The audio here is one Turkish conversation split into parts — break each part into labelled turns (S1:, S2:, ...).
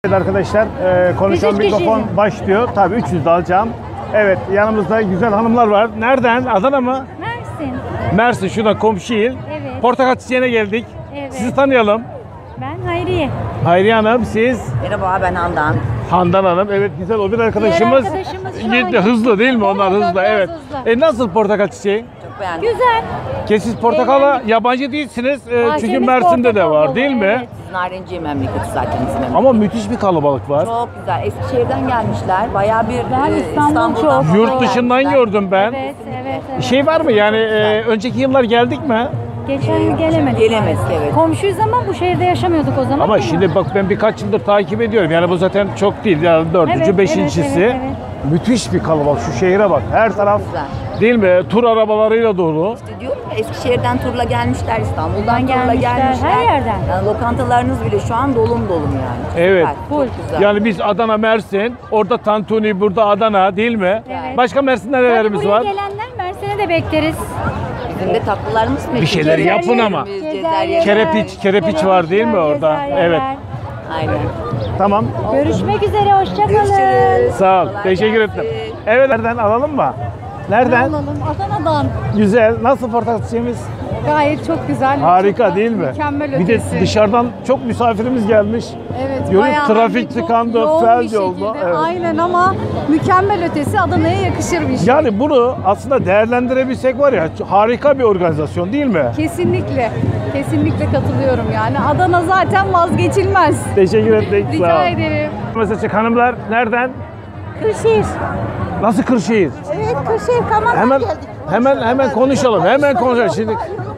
S1: Evet arkadaşlar, konuşan mikrofon başlıyor. Tabii 300 de alacağım. Evet, yanımızda güzel hanımlar var. Nereden? Adana mı?
S2: Mersin.
S1: Mersin, şurada komşu il.
S2: Evet.
S1: Portakal çiçeğine geldik.
S2: Evet.
S1: Sizi tanıyalım.
S2: Ben Hayriye.
S1: Hayriye Hanım, siz?
S3: Merhaba, ben Handan.
S1: Handan Hanım, evet güzel. O bir arkadaşımız.
S2: arkadaşımız şu an
S1: Gitti, hızlı değil mi? Onlar
S2: Evet,
S1: hızlı,
S2: biraz
S1: evet.
S2: hızlı.
S1: Nasıl portakal çiçeği?
S3: Çok beğendim.
S2: Güzel.
S1: Siz portakala
S2: Eğlendik.
S1: yabancı değilsiniz. Çünkü
S2: Bahçemiz
S1: Mersin'de de
S2: portakal
S1: var
S2: dolu,
S1: değil mi?
S2: evet.
S3: Narenciye memleketi zaten bizim memleket.
S1: Ama müthiş bir kalabalık var.
S3: Çok güzel. Eskişehir'den gelmişler. Bayağı bir
S2: İstanbul çok.
S3: falan
S1: Yurt dışından
S3: gelmişler.
S1: gördüm ben.
S2: Evet, evet, evet.
S1: Şey var mı yani önceki yıllar geldik mi?
S2: Geçen yıl gelemedik.
S3: Gelemedik, evet.
S2: Komşuyuz ama bu şehirde yaşamıyorduk o zaman.
S1: Ama şimdi bak ben birkaç yıldır takip ediyorum. Yani bu zaten çok değil. Yani dördüncü,
S2: Evet,
S1: beşincisi.
S2: evet, evet.
S1: Müthiş bir kalabalık. Şu şehire bak. Her taraf
S3: Güzel.
S1: değil mi? Tur arabalarıyla dolu.
S3: İşte diyorum ya, Eskişehir'den turla gelmişler, İstanbul'dan
S2: Buradan
S3: turla
S2: gelmişler,
S3: gelmişler.
S2: her yerden.
S3: Yani lokantalarınız bile şu an dolum yani.
S1: Evet.
S3: Süper, çok güzel.
S1: Yani biz Adana, Mersin, orada Tantuni, burada Adana değil mi?
S2: Evet.
S1: Başka Mersin'de
S2: Tabii
S1: nelerimiz
S2: buraya
S1: var?
S2: gelenler Mersin'e de bekleriz.
S3: Bizim de tatlılarımız meşhur.
S1: Bir şeyler yapın ama.
S3: Cezerye.
S1: Kerepiç var değil mi orada?
S2: Cezayirler.
S1: Evet.
S3: Aynen.
S1: Tamam.
S2: Görüşmek üzere, hoşça kalın.
S3: Görüşürüz.
S1: Sağ ol.
S3: Kolay
S1: Teşekkür
S3: gelsin.
S1: ettim. Evet, nereden alalım mı? Nereden?
S4: Alalım. Adana'dan.
S1: Güzel. Nasıl portakal çiçeğimiz?
S4: Gayet çok güzel.
S1: Harika
S4: çok
S1: değil mi?
S4: Mükemmel
S1: Bir de
S4: ötesi.
S1: dışarıdan çok misafirimiz gelmiş.
S4: Evet.
S1: Yolun
S4: bayağı
S1: trafik
S4: hani çok
S1: tıkandı,
S4: yoğun
S1: felç
S4: bir
S1: oldu.
S4: şekilde.
S1: Evet.
S4: Aynen ama mükemmel ötesi Adana'ya yakışır bir şey.
S1: Yani bunu aslında değerlendirebilsek var ya, harika bir organizasyon değil mi?
S4: Kesinlikle. Kesinlikle katılıyorum yani. Adana zaten vazgeçilmez.
S1: Teşekkür ettik. Sağ
S4: Rica
S1: ol.
S4: ederim.
S1: Mesela hanımlar nereden?
S4: Kırşehir.
S1: Nasıl Kırşehir?
S4: Evet, Kırşehir Kaman'dan
S1: Hemen hemen konuşalım. Hemen konuşalım şimdi.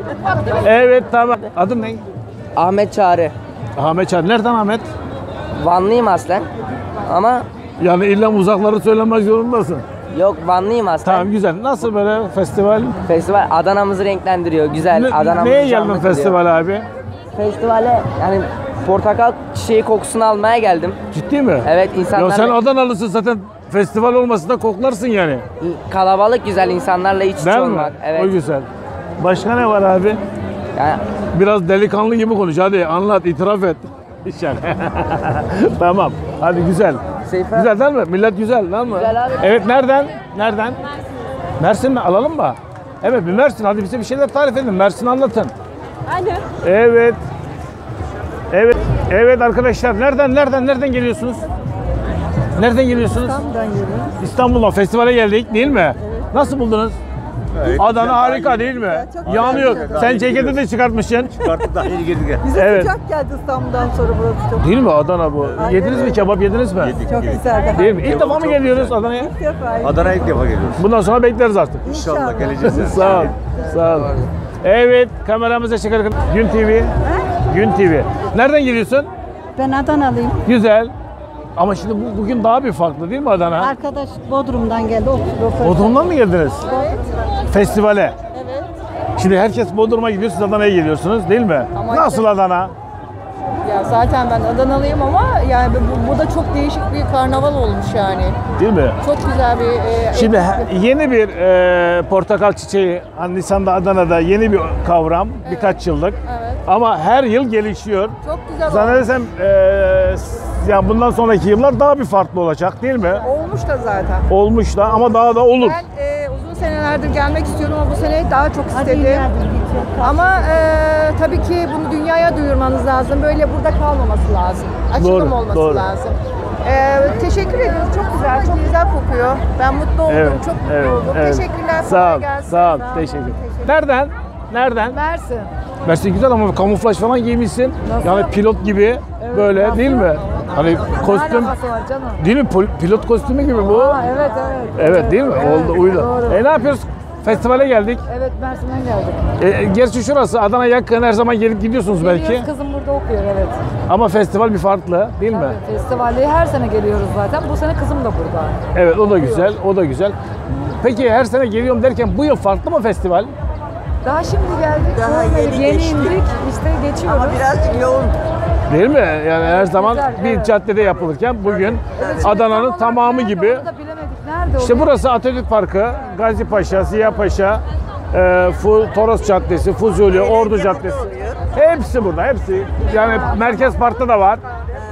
S1: Evet tamam. Adın ne?
S5: Ahmet Çağrı.
S1: Ahmet Çağrı. Nereden Ahmet?
S5: Vanlıyım aslen. Ama
S1: Yani illa uzakları söylemek zorundasın.
S5: yok, Vanlıyım aslen.
S1: Tamam güzel. Nasıl böyle festival?
S5: Festival Adana'mızı renklendiriyor. Güzel. Adana'mızı
S1: Neye
S5: canlı
S1: geldin
S5: kılıyor.
S1: festival abi?
S5: Festivale yani portakal çiçeği kokusunu almaya geldim.
S1: Ciddi mi?
S5: Evet,
S1: Ya
S5: insanlarla
S1: sen Adanalısın zaten, festival olması da koklarsın yani.
S5: kalabalık, güzel insanlarla iç içe
S1: Değil mi?
S5: olmak. Evet.
S1: O güzel. Başka ne var abi?
S5: Yani
S1: Biraz delikanlı gibi konuş. Hadi anlat, itiraf et. İnşallah. Tamam. Hadi güzel.
S5: Seyfe.
S1: Güzel değil mi? Millet güzel değil mi?
S5: Güzel abi.
S1: Evet nereden? Nereden? Mersin mi? Alalım mı? Evet bir Mersin. Hadi bize bir şeyler tarif edin. Mersin anlatın.
S4: Alo.
S1: Evet. Evet. Evet arkadaşlar. Nereden geliyorsunuz? Nereden geliyorsunuz?
S4: İstanbul'dan geliyorum.
S1: İstanbul'dan festivale geldik değil mi? Evet. Nasıl buldunuz? Adana harika değil mi? Yanıyor. Sen ceketi de çıkartmışsın.
S6: Çıkarttık daha yeni girdik.
S1: Evet.
S7: Sıcak geldi İstanbul'dan sonra burası çok.
S1: Değil mi Adana bu? Yediniz mi kebap yediniz mi?
S7: Çok güzeldi.
S1: Değil mi? İlk defa mı
S6: çok
S1: geliyoruz
S6: güzel.
S1: Adana'ya?
S7: İlk defa.
S6: Adana'ya ilk defa geliyoruz.
S1: Bundan sonra bekleriz artık.
S6: İnşallah geleceğiz. yani.
S1: Sağ ol. Sağ ol. Evet, kameramıza çıkarken Gün TV. Gün TV. Nereden geliyorsun?
S7: Ben Adanalıyım.
S1: Güzel. Ama şimdi bugün daha bir farklı değil mi Adana?
S7: Arkadaş Bodrum'dan geldi.
S1: Bodrum'dan mı geldiniz? Festivale.
S7: Evet.
S1: Şimdi herkes Bodrum'a gidiyor, siz Adana'ya geliyorsunuz değil mi? Nasıl Adana?
S8: Ya zaten ben Adanalıyım ama yani bu da çok değişik bir karnaval olmuş yani.
S1: Değil mi?
S8: Çok güzel bir
S1: Şimdi
S8: etkinlik.
S1: yeni bir portakal çiçeği, hani Nisan'da Adana'da yeni bir kavram, birkaç yıllık.
S8: Evet.
S1: Ama her yıl gelişiyor.
S8: Çok güzel
S1: Zannedersem yani bundan sonraki yıllar daha bir farklı olacak değil mi?
S8: olmuş da zaten.
S1: Olmuş da ama daha da olur.
S8: Ben uzun senelerdir gelmek istiyordum ama bu sene daha çok istedim. Ama tabii ki bunu dünyaya duyurmanız lazım. Böyle burada kalmaması lazım. Açılım
S1: Doğru,
S8: olması
S1: doğru.
S8: lazım. Teşekkür ediyoruz. Çok güzel, çok güzel kokuyor. Ben mutlu oldum,
S1: Evet,
S8: çok mutlu
S1: evet,
S8: oldum.
S1: evet.
S8: Teşekkürler.
S1: Sağ
S8: kolay
S1: ol,
S8: gelsin.
S1: sağ ol. Teşekkür. Nereden? Nereden?
S8: Mersin.
S1: Mersin güzel ama kamuflaj falan giymişsin. Yani pilot gibi böyle değil mi? Hani kostüm
S8: alakası var canım?
S1: değil mi? Pilot kostümü gibi bu.
S8: Evet.
S1: Evet değil mi? Oldu, uydu.
S8: doğru.
S1: Ne yapıyoruz? Festivale geldik.
S8: Evet, Mersin'den geldik.
S1: Gerçi şurası Adana yakın, her zaman gelip gidiyorsunuz belki.
S8: Geliyoruz, kızım burada okuyor, evet.
S1: Ama festival bir farklı değil mi?
S8: Tabii, festivale her sene geliyoruz zaten. Bu sene kızım da burada.
S1: Evet o da güzel, o da güzel. Peki her sene geliyorum derken bu yıl farklı mı festival?
S8: Daha şimdi geldik.
S7: Daha
S8: görmedik,
S7: yeni
S8: yeni
S7: geçti.
S8: indik. İşte geçiyoruz.
S7: Ama birazcık yoğun.
S1: Değil mi? Yani her zaman
S8: güzel,
S1: bir
S8: evet.
S1: caddede yapılırken bugün
S8: Evet,
S1: Adana'nın
S8: tam olarak
S1: tamamı
S8: nerede
S1: gibi.
S8: onu da bilemedik. Nerede
S1: İşte
S8: oluyor?
S1: burası Atatürk Parkı, Gazi Paşa, Ziya Paşa, Toros Caddesi, Fuzuli, Ordu Caddesi. Hepsi burada, hepsi. Yani Merkez Park'ta da var.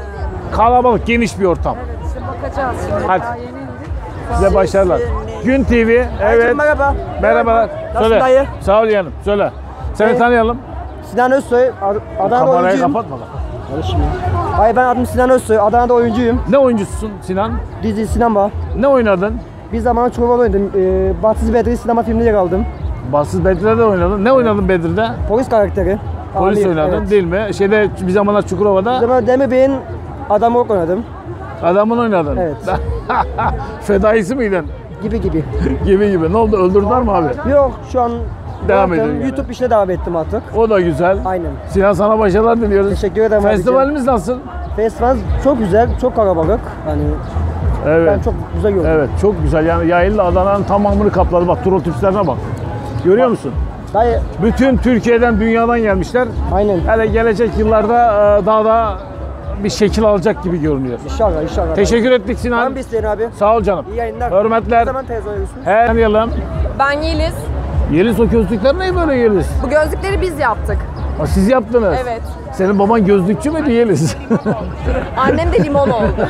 S1: Kalabalık, geniş bir ortam.
S8: Bakacağız şimdi.
S1: Hadi. Size başarılar. Gün TV, evet.
S5: Merhaba.
S1: Merhabalar.
S5: Nasılsın
S1: Söyle.
S5: dayı?
S1: Sağ ol yeğenim, söyle. Seni tanıyalım.
S5: Sinan Özsoy, Adana'da
S1: Kamerayı
S5: oyuncuyum.
S1: kapatma lan.
S5: Hayır, ben adım Sinan Özsoy, Adana'da oyuncuyum.
S1: Ne oyuncusun Sinan?
S5: Dizi, sinema.
S1: Ne oynadın?
S5: Bir zaman Çukurova oynadım. Bahtsız Bedri sinema filminde yer aldım.
S1: Bahtsız Bedir'de oynadın. Ne oynadın Bedir'de?
S5: Polis karakteri.
S1: Polis
S5: Amir,
S1: oynadın
S5: evet.
S1: değil mi? Şeyde bir zamanlar
S5: Bir
S1: Çukurova'da
S5: zaman Demir Bey'in adamı olarak oynadım.
S1: adamın oynadın.
S5: Evet.
S1: Fedaisi miydin?
S5: Gibi.
S1: Gibi. Ne oldu? Öldürdüler mi abi?
S5: Yok, şu an
S1: Devam
S5: bıraktım.
S1: ediyor yani.
S5: YouTube işine devam ettim artık.
S1: O da güzel.
S5: Aynen.
S1: Sinan sana başarılar diliyoruz.
S5: Teşekkür ederim abicim.
S1: Festivalimiz nasıl?
S5: Festival çok güzel, çok kalabalık. Hani
S1: Evet.
S5: ben çok güzel gördüm.
S1: Evet, çok güzel. Yani Yaylı Adana'nın tamamını kapladı. Bak, tur otobüslerine bak. Görüyor musun?
S5: Dayı,
S1: Bütün Türkiye'den, dünyadan gelmişler.
S5: aynen.
S1: Hele gelecek yıllarda daha da bir şekil alacak gibi görünüyor.
S5: İnşallah.
S1: Teşekkür ettik
S5: Var
S1: Sinan.
S5: mı bir isteğin abi?
S1: Sağ ol canım.
S5: İyi yayınlar.
S1: Hürmetler.
S5: Ne zaman televizyon görüyorsunuz?
S1: He, tanıyalım.
S9: Ben Yeliz.
S1: Yeliz, o gözlükler ne böyle Yeliz?
S9: Bu gözlükleri biz yaptık.
S1: Ha, siz yaptınız.
S9: Evet.
S1: Senin baban gözlükçü müydü Yeliz?
S9: Annem de limon oldu.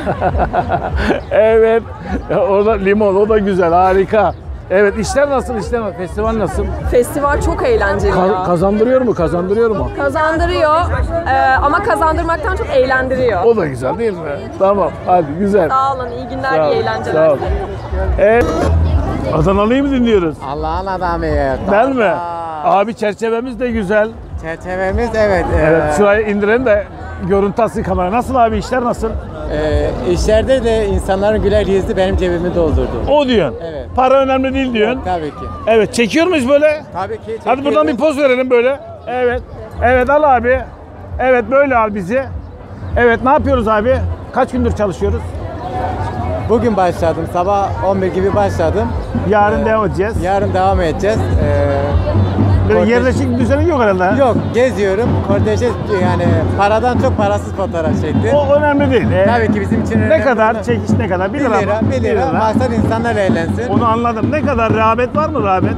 S1: Evet. Ya, orada limon, o da güzel, harika. Evet, işler nasıl? Festival nasıl?
S9: Festival çok eğlenceli ya.
S1: Kazandırıyor mu?
S9: Kazandırıyor ama kazandırmaktan çok eğlendiriyor.
S1: O da güzel değil mi? Tamam, hadi güzel.
S9: Sağ olun, iyi günler,
S1: Sağ ol,
S9: iyi eğlenceler.
S1: sağ ol. Evet. Adanalı'yı mı dinliyoruz?
S10: Allah'ın adamıyız.
S1: Değil mi? Abi çerçevemiz de güzel.
S10: Çerçevemiz evet.
S1: Evet, şurayı indirelim de görüntü alsın kamera. Nasıl abi, işler nasıl?
S10: İşlerde de insanların güler yüzü benim cebimi doldurdu.
S1: O diyorsun.
S10: Evet.
S1: Para önemli değil diyorsun.
S10: Tabii ki.
S1: Evet, çekiyor muyuz böyle?
S10: Tabii ki.
S1: Hadi buradan bir poz verelim böyle. Evet. Evet, al abi. Evet, böyle al bizi. Evet, ne yapıyoruz abi? Kaç gündür çalışıyoruz?
S10: Bugün başladım. Sabah 11 gibi başladım.
S1: Yarın devam edeceğiz.
S10: Yarın devam edeceğiz.
S1: Böyle yerleşik bir düzenin yok herhalde.
S10: Yok, geziyorum. Korteje yani paradan çok parasız fotoğraf çektim.
S1: O önemli değil.
S10: Tabii ki bizim için önemli.
S1: Ne kadar çekiş, ne kadar?
S10: 1 lira, 1 lira. Maksat insanlar eğlensin.
S1: Onu anladım. Ne kadar rağbet var mı rağbet?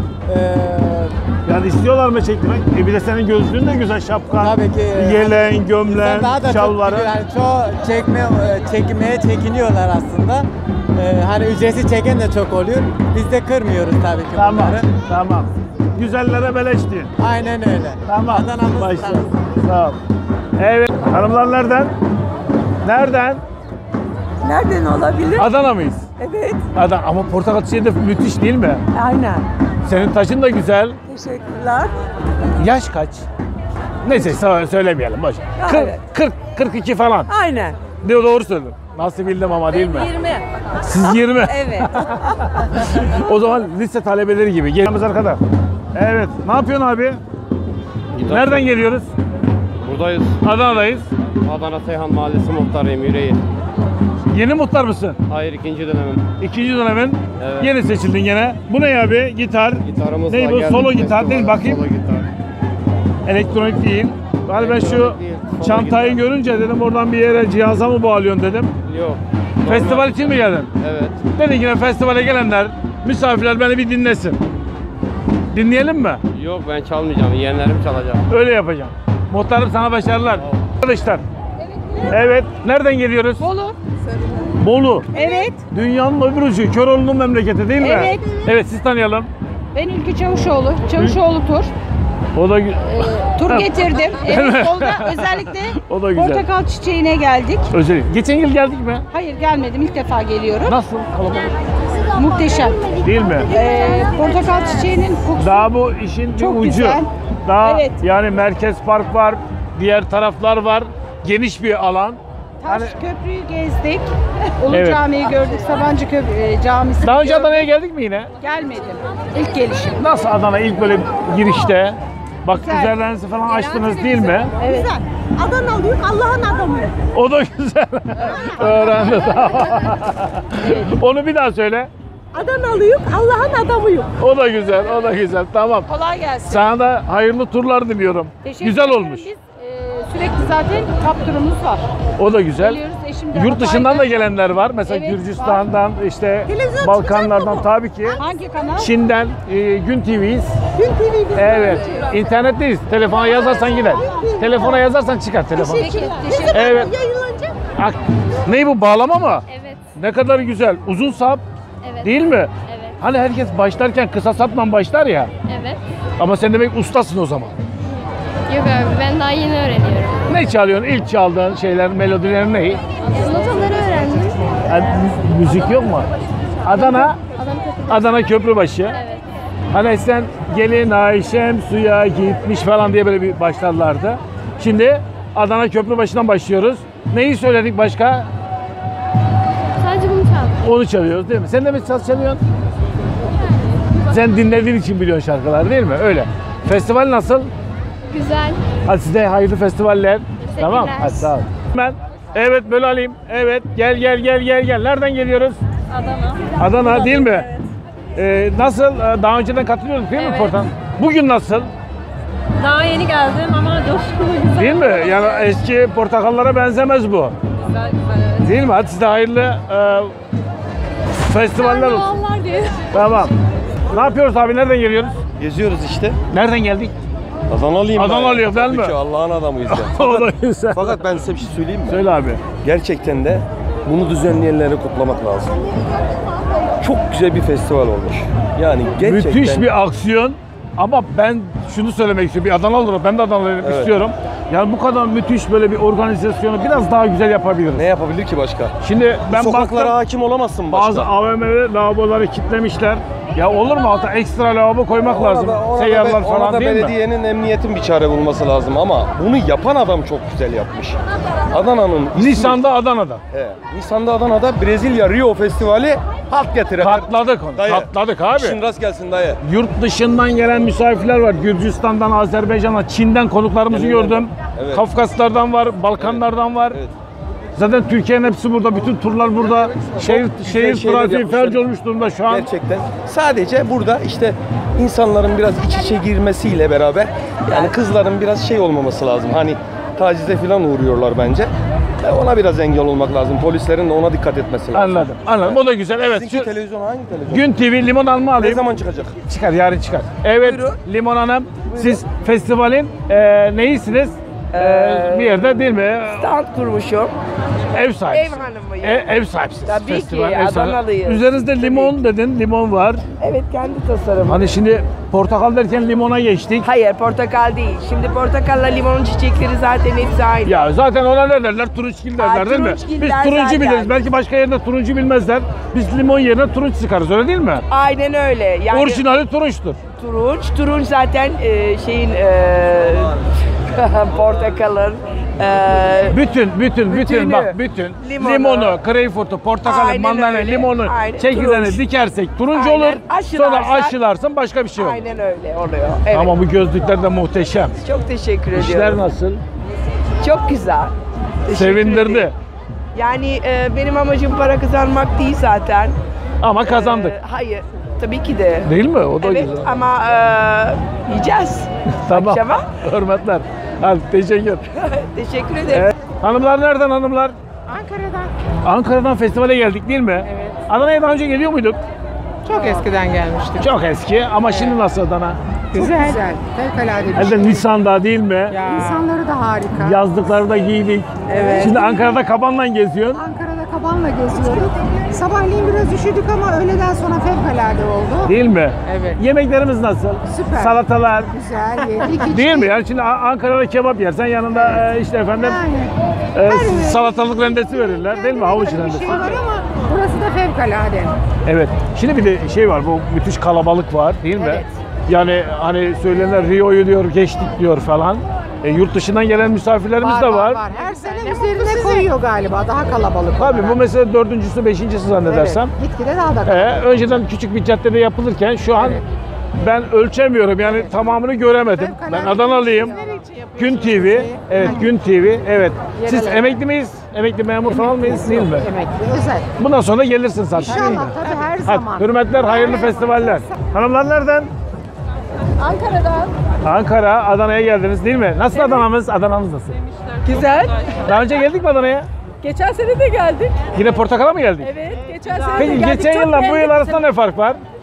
S1: Yani istiyorlar mı çektirmek? Bir de senin gözlüğün de güzel, şapkan,
S10: Tabii ki.
S1: yeleğin, gömleğin,
S10: İnsan daha da
S1: şalvarı.
S10: çok, yani çoğu çekmeye çekiniyorlar aslında. Hani ücretsiz çeken de çok oluyor. Biz de kırmıyoruz tabii ki
S1: Tamam,
S10: bunları.
S1: tamam. Güzellere beleş diyor.
S10: Aynen öyle.
S1: Tamam.
S10: Adana'mız
S1: Başla.
S10: tanısın.
S1: Sağ ol. Evet. Hanımlar nereden? Nereden?
S7: Nereden olabilir?
S1: Adana mıyız?
S7: Evet.
S1: Adana. Ama portakal çiçeği de müthiş değil mi?
S7: Aynen.
S1: Senin taşın da güzel.
S7: Teşekkürler.
S1: Yaş kaç? Neyse söylemeyelim. Boş.
S7: Evet.
S1: 42 falan.
S7: Aynen.
S1: Doğru söyledin. Nasıl bildim ama değil mi?
S9: 20.
S1: Siz 20.
S9: Evet.
S1: O zaman lise talebeleri gibi. Gelmemiz arkada. Evet. Ne yapıyorsun abi? Nereden geliyoruz?
S11: Buradayız.
S1: Adana'dayız.
S11: Adana Seyhan Mahallesi muhtarıyım, yüreği.
S1: Yeni muhtar mısın?
S11: Hayır, ikinci dönemim.
S1: İkinci dönemin.
S11: Evet.
S1: Yeni seçildin gene. Bu ne abi? Gitar.
S11: Gitarımızla
S1: Ne bu?
S11: geldik
S1: Solo gitar
S11: festivale.
S1: değil, bakayım.
S11: Solo gitar.
S1: Elektronik değil. Hani ben şu
S11: Elektronik değil, solo
S1: çantayı
S11: gitar.
S1: görünce dedim oradan bir yere cihaza mı bağlıyorsun dedim.
S11: Yok.
S1: Festival için mi geldin?
S11: Evet.
S1: Dedin ki festivale gelenler, misafirler beni bir dinlesin. Dinleyelim mi?
S11: Yok, ben çalmayacağım. Yeğenlerim çalacak.
S1: Öyle yapacağım. Muhtarım sana başarılar. Arkadaşlar. Evet. Nereden geliyoruz?
S2: Bolu.
S1: Bolu.
S2: Evet.
S1: Dünyanın öbür ucu. Köroğlu'nun memleketi değil mi?
S2: Evet.
S1: Evet, siz tanıyalım.
S2: Ben Ülkü Çavuşoğlu. Çavuşoğlu tur.
S1: O da
S2: Tur getirdim. Evet. Bolu'da özellikle
S1: O da güzel.
S2: portakal çiçeğine geldik.
S1: Özellikle. Geçen yıl geldik mi?
S2: Hayır gelmedim. İlk defa geliyorum.
S1: Nasıl? Kalabalık.
S2: Muhteşem.
S1: Değil mi?
S2: Portakal çiçeğinin kokusu
S1: Daha bu işin bir
S2: çok
S1: ucu.
S2: güzel.
S1: Daha
S2: Evet.
S1: yani Merkez Park var, diğer taraflar var. Geniş bir alan.
S2: Taş
S1: Hani
S2: Köprü'yü gezdik. Ulu
S1: Evet.
S2: Camii'yi gördük. Sabancı Camisi.
S1: daha önce Adana'ya geldik mi yine?
S2: Gelmedim. İlk gelişim.
S1: Nasıl Adana ilk böyle girişte? Bak
S2: Güzel.
S1: üzerlerinizi falan açtınız değil mi?
S2: Evet.
S7: Adanalıyım, Allah'ın adamı.
S1: O da güzel. Öğrendi. Onu bir daha söyle.
S7: Adanalıyım, Allah'ın adamıyım.
S1: O da güzel, o da güzel. Tamam.
S2: Kolay gelsin.
S1: Sana da hayırlı turlar diliyorum.
S2: Teşekkür
S1: Güzel
S2: ederim.
S1: olmuş.
S2: Biz sürekli zaten kap turumuz var.
S1: O da güzel.
S2: Geliyoruz eşimle.
S1: Yurt dışından da
S2: Hatay'da.
S1: gelenler var. Mesela
S2: Evet,
S1: Gürcistan'dan, işte
S7: Televizyon
S1: Balkanlardan
S7: çıkacak mı bu?
S1: tabii ki.
S2: Hangi kanal?
S1: Çin'den, Gün TV'yiz.
S7: Gün TV'de.
S1: Evet. İnternetteyiz. Telefona yazarsan gider. Telefona yazarsan çıkar telefon.
S2: Teşekkür ederim.
S1: Evet.
S7: Yayınlanacak.
S1: Ne bu, bağlama mı?
S12: Evet.
S1: Ne kadar güzel. Uzun sap.
S12: Evet.
S1: Değil mi?
S12: Evet.
S1: Hani herkes başlarken kısa sapla başlar ya.
S12: Evet.
S1: Ama sen demek ustasın o zaman.
S12: Yok abi ben daha yeni öğreniyorum.
S1: Ne çalıyorsun? İlk çaldığın şeyler, melodiler ne?
S12: Notaları öğrendim.
S1: Yani müzik yok mu? Adana, Adana Köprübaşı.
S12: Evet.
S1: Hani sen gelin Ayşem suya gitmiş falan diye böyle bir başlarlardı. Şimdi Adana Köprübaşı'ndan başlıyoruz. Neyi söyledik başka?
S12: Sadece bunu çaldım.
S1: Onu çalıyoruz değil mi? Sen de mi saz çalıyorsun? Sen dinlediğin için biliyorsun şarkılar değil mi? Öyle. Festival nasıl?
S12: Güzel.
S1: Hadi size hayırlı festivaller. Tamam. Hadi sağ ol. Evet böyle alayım. Evet gel. Nereden geliyoruz? Adana değil mi? Nasıl? Daha önceden katılıyorduk değil mi Portan? Bugün nasıl?
S9: Daha yeni geldim ama coşkulu güzel.
S1: Değil mi? Yani eski portakallara benzemez bu.
S9: Güzel evet.
S1: Değil mi? Hadi size hayırlı festivaller olsun. Tamam. Ne yapıyoruz abi? Nereden geliyoruz?
S6: Geziyoruz işte.
S1: Nereden geldik?
S6: Adanalıyım ben.
S1: Adanalıyım değil mi?
S6: Tabii ki Allah'ın adamıyız ya.
S1: O da güzel.
S6: Fakat ben size bir şey söyleyeyim mi?
S1: Söyle abi.
S6: Gerçekten de bunu düzenleyenleri kutlamak lazım. Çok güzel bir festival olmuş. Yani gerçekten...
S1: Müthiş bir aksiyon. Ama ben şunu söylemek istiyorum. Bir Adanalı olarak ben de Adanalıyım istiyorum. Yani bu kadar müthiş böyle bir organizasyonu biraz daha güzel yapabiliriz.
S6: Ne yapabilir ki başka?
S1: Şimdi ben
S6: Sokaklara
S1: baktım,
S6: hakim olamazsın başka.
S1: bazı AVM'de lavaboları kilitlemişler. Ya olur mu alta ekstra lavabo koymak lazım. Seyyarlar falan
S6: ona da
S1: değil mi?
S6: belediyenin, emniyetin bir çare bulması lazım ama bunu yapan adam çok güzel yapmış. Adana'nın ismi...
S1: Nisan'da Adana'da.
S6: Nisan'da Adana'da Brezilya Rio Festivali halt getiren.
S1: Katladık onu.
S6: Dayı.
S1: Katladık abi.
S6: İşin rast gelsin dayı.
S1: Yurt dışından gelen misafirler var. Gürcistan'dan, Azerbaycan'dan, Çin'den konuklarımızı
S6: Geliyorlar.
S1: gördüm.
S6: Evet.
S1: Kafkaslardan var, Balkanlardan var.
S6: Evet.
S1: Zaten Türkiye'nin hepsi burada. Bütün turlar burada. Şehir
S6: şeyler
S1: trafiği
S6: yapmışlar.
S1: felç olmuş durumda şu an.
S6: Gerçekten. Sadece burada işte insanların biraz iç içe girmesiyle beraber yani kızların biraz şey olmaması lazım. Hani tacize falan uğruyorlar bence. Ona biraz engel olmak lazım. Polislerin de ona dikkat etmesi lazım.
S1: Anladım. O da güzel. Evet.
S6: Sizinki televizyon hangi televizyon?
S1: Gün TV limon alma alayım.
S6: Ne zaman çıkacak?
S1: Çıkar, yarın çıkar. Evet,
S6: Buyurun.
S1: Limon Hanım. Siz festivalin neyisiniz? Bir yerde değil mi?
S5: Stand kurmuşum.
S1: Ev sahibi.
S5: Ev hanımıyım.
S1: Ev sahipsiniz.
S5: Tabii ki,
S1: Festival, ev sahibi.
S5: Adanalıyız.
S1: Üzerinizde limon dedin, limon var.
S5: Evet, kendi tasarımım.
S1: Hani şimdi portakal derken limona geçtik.
S5: Hayır, portakal değil. Şimdi portakalla limonun çiçekleri zaten hepsi aynı.
S1: Ya zaten ona ne derler? Turunçgil derler değil mi?
S5: turunçgil
S1: Biz
S5: der
S1: turuncu
S5: zaten.
S1: biliriz. Belki başka yerde turuncu bilmezler. Biz limon yerine turunç sıkarız, öyle değil mi?
S5: Aynen öyle. Yani
S1: Orijinali turunçtur.
S5: turunç zaten portakalın
S1: Bütün bak limonu, greyfurtu, portakalı,
S5: Aynen
S1: mandalina,
S5: öyle.
S1: limonu,
S5: Aynen.
S1: çekirdeğini
S5: Turunç.
S1: dikersek turuncu
S5: Aynen.
S1: olur. Sonra
S5: Aşılarsak-
S1: aşılarsın başka bir şey olur.
S5: aynen öyle oluyor. Evet.
S1: Ama bu gözlükler de muhteşem.
S5: Çok teşekkür ediyorum.
S1: İşler nasıl?
S5: Çok güzel. Teşekkür
S1: Sevindirdi.
S5: ederim. Yani benim amacım para kazanmak değil zaten.
S1: Ama kazandık.
S5: Hayır. Tabii ki de.
S1: Değil mi? O da
S5: Evet
S1: güzel.
S5: ama yiyeceğiz.
S1: Tamam.
S5: Akşama.
S1: Hürmetler. Hadi teşekkür.
S5: Teşekkür ederim.
S1: Evet. Hanımlar nereden hanımlar?
S2: Ankara'dan.
S1: Ankara'dan festivale geldik değil mi?
S2: Evet.
S1: Adana'ya daha önce geliyor muyduk?
S2: Çok eskiden gelmiştim.
S1: Çok eski ama şimdi nasıl Adana?
S2: Güzel. Fevkalade bir
S1: Elde Nisan'da değil mi?
S2: İnsanları da harika.
S1: Yazlıkları da giydik.
S2: Evet.
S1: Şimdi Ankara'da kabanla geziyorsun.
S2: Ankara'da kabanla geziyorduk. Sabahleyin biraz üşüdük ama öğleden sonra fevkalade oldu.
S1: Değil mi?
S2: Evet.
S1: Yemeklerimiz nasıl?
S2: Süper.
S1: Salatalar.
S2: Güzel yedik. içtik.
S1: Değil mi? Yani şimdi Ankara'da kebap yersen yanında işte efendim salatalık rendesi verirler değil mi? Havuç rendesi.
S2: Şey var ama burası da fevkalade.
S1: Evet. Şimdi bir de şey var, bu müthiş kalabalık var değil mi?
S2: Evet.
S1: Yani hani söylenenler Rio'yu diyor, geçtik diyor falan. Yurt dışından gelen misafirlerimiz de var.
S2: Her sene üzerine koyuyor galiba daha kalabalık.
S1: Tabii
S2: olarak.
S1: bu mesela dördüncüsü, beşincisi zannedersem.
S2: Evet, gitgide daha da kalabalık.
S1: Önceden küçük bir caddede yapılırken şu an ben ölçemiyorum yani tamamını göremedim. Ben Adanalıyım. Gün TV, evet Gün TV, evet. Siz emekli miyiz? Emekli memur falan mıyız? Değil mi?
S2: Emekli, özel.
S1: Bundan sonra gelirsin zaten.
S2: İnşallah tabii her zaman.
S1: Hadi, hürmetler, hayırlı festivaller. Hanımlar nereden?
S9: Ankara'dan.
S1: Ankara, Adana'ya geldiniz değil mi? Nasıl Adana'mız? Adana'mız nasıl?
S9: Güzel.
S1: Daha önce geldik mi Adana'ya?
S9: Geçen sene de geldik.
S1: Yine Portakal'a mı geldik?
S9: Evet, geçen sene de
S1: Peki
S9: geldik.
S1: geçen
S9: Çok
S1: yılla bu yıl
S9: beğendik.
S1: arasında ne fark var?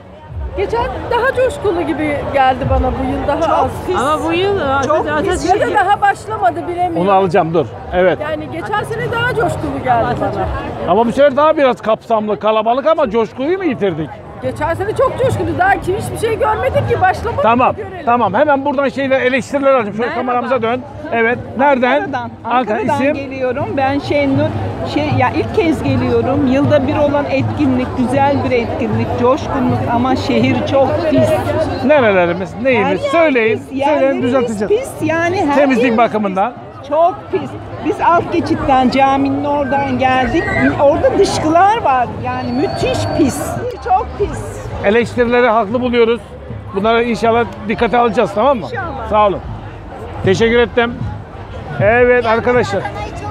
S7: Geçen daha coşkulu gibi geldi bana bu yıl daha az.
S9: Ama bu yıl
S7: Çok pis. Ya da daha başlamadı bilemiyorum.
S1: Onu alacağım dur. Evet.
S7: Yani geçen sene daha coşkulu geldi bana.
S1: Ama bu sefer daha biraz kapsamlı, kalabalık ama coşkuyu mu yitirdik?
S7: Geçen sene çok coşkulu. Daha ki hiçbir şey görmedik ki başlamadı.
S1: Tamam, tamam. Hemen buradan eleştiriler alacağım. Şöyle kameramıza dön. Evet. Nereden?
S13: Ankara'dan
S1: isim?
S13: geliyorum. Ben Şenur. İlk kez geliyorum. Yılda bir olan etkinlik, güzel bir etkinlik, coşkunluk ama şehir çok pis.
S1: Nerelerimiz, neyimiz? Söyleyin. Söyleyin,
S13: Yerlerimiz
S1: düzelteceğiz.
S13: pis yani. Her
S1: Temizlik
S13: yerimiz
S1: bakımından.
S13: çok pis. Biz alt geçitten caminin oradan geldik. Orada dışkılar var. Yani müthiş pis. Çok pis.
S1: Eleştirileri haklı buluyoruz. Bunları inşallah dikkate alacağız, tamam mı?
S13: İnşallah.
S1: Sağ olun. Teşekkür ettim. Evet arkadaşlar.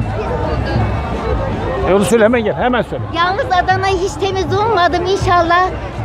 S1: Onu söyle, hemen gel, hemen söyle.
S14: Yalnız Adana'yı hiç temiz bulmadım. İnşallah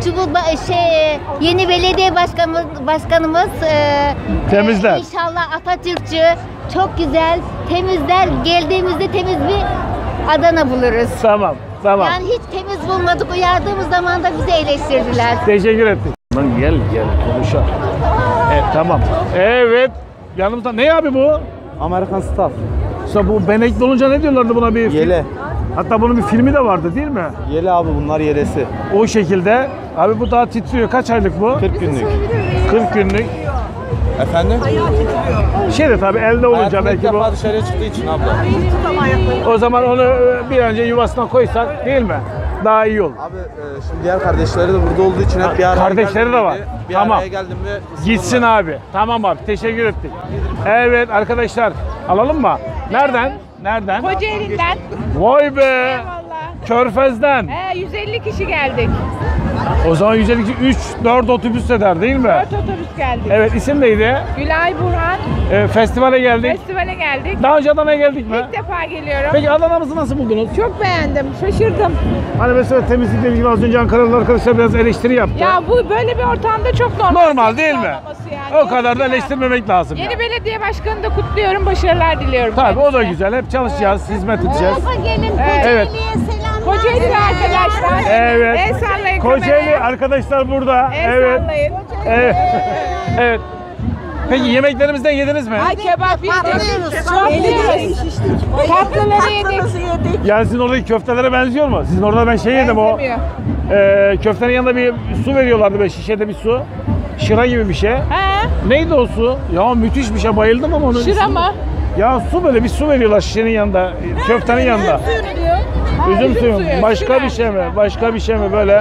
S14: yeni belediye başkanımız
S1: Temizler.
S14: İnşallah Atatürkçü, çok güzel temizler. Geldiğimizde temiz bir Adana buluruz.
S1: Tamam, tamam.
S14: Yani hiç temiz bulmadık. Uyardığımız zaman da bizi eleştirdiler.
S1: Teşekkür ettik. Lan gel konuşalım. Evet, tamam. Evet. Yanımızda ne abi bu?
S15: Amerikan Staff.
S1: İşte bu benekli olunca ne diyorlardı buna bir
S15: Yele.
S1: Hatta bunun bir filmi de vardı değil mi?
S15: Yele abi, bunlar yelesi.
S1: O şekilde. Abi bu daha titriyor. Kaç aylık bu?
S15: 40 günlük.
S1: 40 günlük.
S15: Efendim?
S1: Şey de tabii elde olunca belki bu.
S15: dışarıya çıktığı için abla.
S1: O zaman onu bir önce yuvasına koysak değil mi? Daha iyi olur.
S15: Abi şimdi diğer kardeşleri de burada olduğu için hep bir araya
S1: Kardeşleri de var.
S15: Bir
S1: Tamam.
S15: araya geldim ve
S1: Gitsin abi. Tamam abi. Teşekkür ettik. Evet arkadaşlar. Alalım mı? Nereden? Nereden?
S7: Kocaeli'nden.
S1: Vay be. Körfez'den.
S7: 150 kişi geldik.
S1: O zaman 152 3-4 otobüs eder değil mi?
S7: 4 otobüs geldik.
S1: Evet, isim neydi?
S7: Gülay Burhan.
S1: Festivale geldik.
S7: Festivale geldik.
S1: Daha önce Adana'ya geldik mi?
S7: İlk defa geliyorum.
S1: Peki Adana'mızı nasıl buldunuz?
S7: Çok beğendim. Şaşırdım.
S1: Hani mesela temizlikle ilgili az önce Ankaralı arkadaşlar biraz eleştiri yaptı.
S7: Ya bu böyle bir ortamda çok normal.
S1: Normal değil mi?
S7: Yani.
S1: O kadar da eleştirmemek lazım.
S7: Yeni
S1: yani.
S7: belediye başkanını da kutluyorum. Başarılar diliyorum.
S1: Tabii o da
S7: kendisine.
S1: güzel. Hep çalışacağız, hizmet edeceğiz.
S14: Gelin
S1: Evet.
S7: Kocaeli arkadaşlar.
S1: Evet.
S7: El sallayın
S1: Kocaeli
S7: kameraya.
S1: arkadaşlar burada.
S7: El
S1: Evet.
S7: sallayın.
S1: Evet. Evet. Peki yemeklerimizden yediniz mi?
S7: Ay kebap yedik. Çok yedik. Tatlıları yedik.
S1: Yani sizin oradaki köftelere benziyor mu? Sizin orada ben yedim o. Köftenin yanında bir su veriyorlardı böyle şişede bir su. Şıra gibi bir şey.
S7: He?
S1: Neydi o su? Ya müthiş bir şey, bayıldım ama onun
S7: Şıra
S1: ismi.
S7: mı?
S1: Ya su, böyle bir su veriyorlar şişenin yanında, köftenin yanında. Üzüm suyu. Başka bir şey mi? Başka bir şey mi böyle?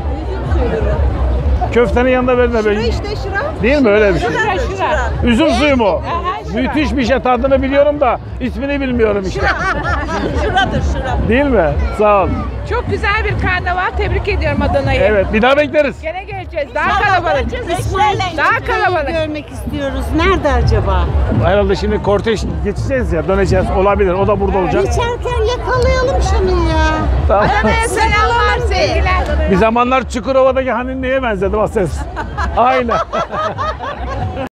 S1: Köftenin yanında verme böyle.
S7: şıra.
S1: Değil mi öyle bir şey?
S7: Şıra.
S1: Üzüm suyu mu?
S7: şıra.
S1: Müthiş bir şey, tadını biliyorum da ismini bilmiyorum işte.
S7: Şıra.
S1: Değil mi? Sağ ol.
S7: Çok güzel bir karnaval. Tebrik ediyorum Adana'yı.
S1: Evet, bir daha bekleriz.
S7: Gene geleceğiz. Daha kalabalık. Daha kalabalık. Görmek istiyoruz. Nerede acaba?
S1: Herhalde şimdi kortej geçeceğiz ya, döneceğiz. Olabilir, o da burada olacak.
S7: Geçerken yakalayalım şunu ya.
S1: Tamam.
S7: Adana'ya selamlar, sevgiler.
S1: Bir zamanlar Çukurova'daki hani neye benzedim o ses? Aynen.